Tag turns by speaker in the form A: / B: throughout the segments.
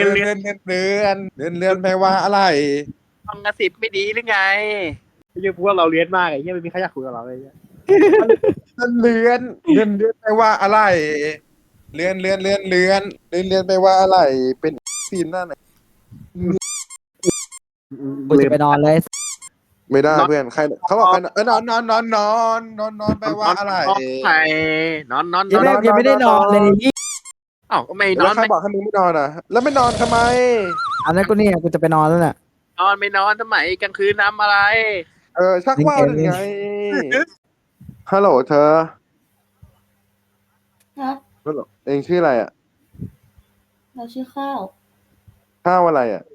A: ลื่อน
B: เลื่อนแปลว่าอะไร
A: ฟังกระสิบไม่ดีหรือไงไอ้เรื่องพวกเราเลี้ยนมากไอ้เหี้ยไม่มีใครอยากคุยกับเราเลยเนี่ย
B: เลื่อนแปลว่าอะไรเลื่อนแปลว่าอะไรเป็นซีนหน้าไหน
C: กูจะไปนอนเลย
B: ไม่ได้เพื่อนใครเขาบอกใครนอนแปลว่าอะไร
A: ใช่นอน
C: ยังไม่ได้นอนเลย
A: อ้าวก็ไม่น
B: แล้
A: อ
B: วน ใครบอกให้มึงไม่นอนอ่ะ แล้วไม่นอนทำไม
C: อันนั้นกูเนี่ยกูจะไปนอนแล้วน่ะ
A: นอนไม่นอนทำไมกลางคืนทำอะไร
B: ชักว่าวหรือไงฮัลโหลเธอ
D: ฮะ
B: ฮัลโหลเองชื่ออะไรอ่ะ
D: เราชื่อข้าว
B: ข้าวอะไรอ่ะ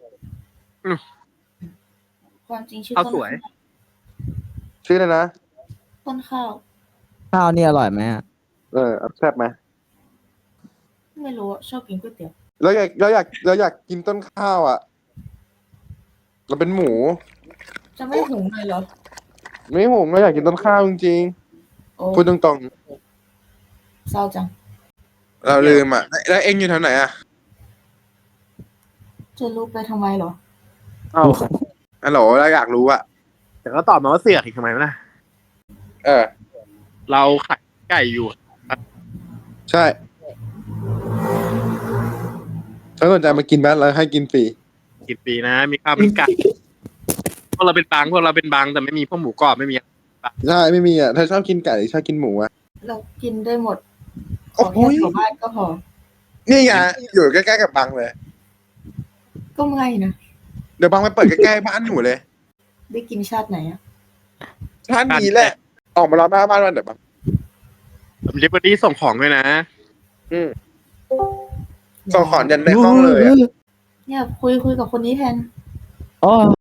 D: ความจริงชื่อ
A: ข้าว
D: ต้น
A: สวย
B: ชื่ออะไรนะ
D: ต้นข้าว
C: ข้าวนี่อร่อยไหมอะ
B: แซ่บไหม
D: ไม่รู้อะชอบกินก๋วยเตี๋ยว
B: เราอยากกินต้นข้าวอ่ะ เราเป็นหมู
D: จะไม่หุงเลยเหรอ
B: ไม่หงเราอยากกินต้นข้าวจริง
D: โอ้
B: ๆพูดตรง
D: เศร้าจัง
B: ๆ เราลืมอ่ะ แล้วเองอยู่แถวไหนอ่ะ
D: จะรู้ไปทำไมเหรอ
A: เอ้า
B: ฮัลโหลเราอยากรู้อ่ะ
A: แต่ก็ตอบมาว่าเสือกอีกทำไมวะนะ
B: เออ
A: เราขายไก่อยู่
B: ใช่ถ้าสนใจมากินบ้านเราให้กินฟรี
A: กินปีนะ มีข้าวมีไก่พวกเราเป็นบางแต่ไม่มีพวกหมูกรอบไม่มี
B: ใช่ไม่มีอ่ะ ถ้าชอบกินไก่ชอบกินหมูอ่ะ
D: เรากินได้หมด ข
B: โอ้
D: อ
B: โห
D: แค่ชาวบ้านก็พอ
B: นี่ไงอยู่ใกล้ๆกับบังเลย
D: ก็ไม่นะ
B: เดี๋ยวบังไปเปิดใกล้ๆบ้านหนูเลย
D: ได้กินชาติไหนอะ
B: ท่านนี้แหละ ออกมารอหน้าบ้านวันเดี๋ยวบัง
A: ผมเรียกว่าที่ส่งของด้วยนะ
B: ส่งขอนยันในห้องเลยอะ
D: เนี่ยคุยกับคนนี้แทน
C: โอ้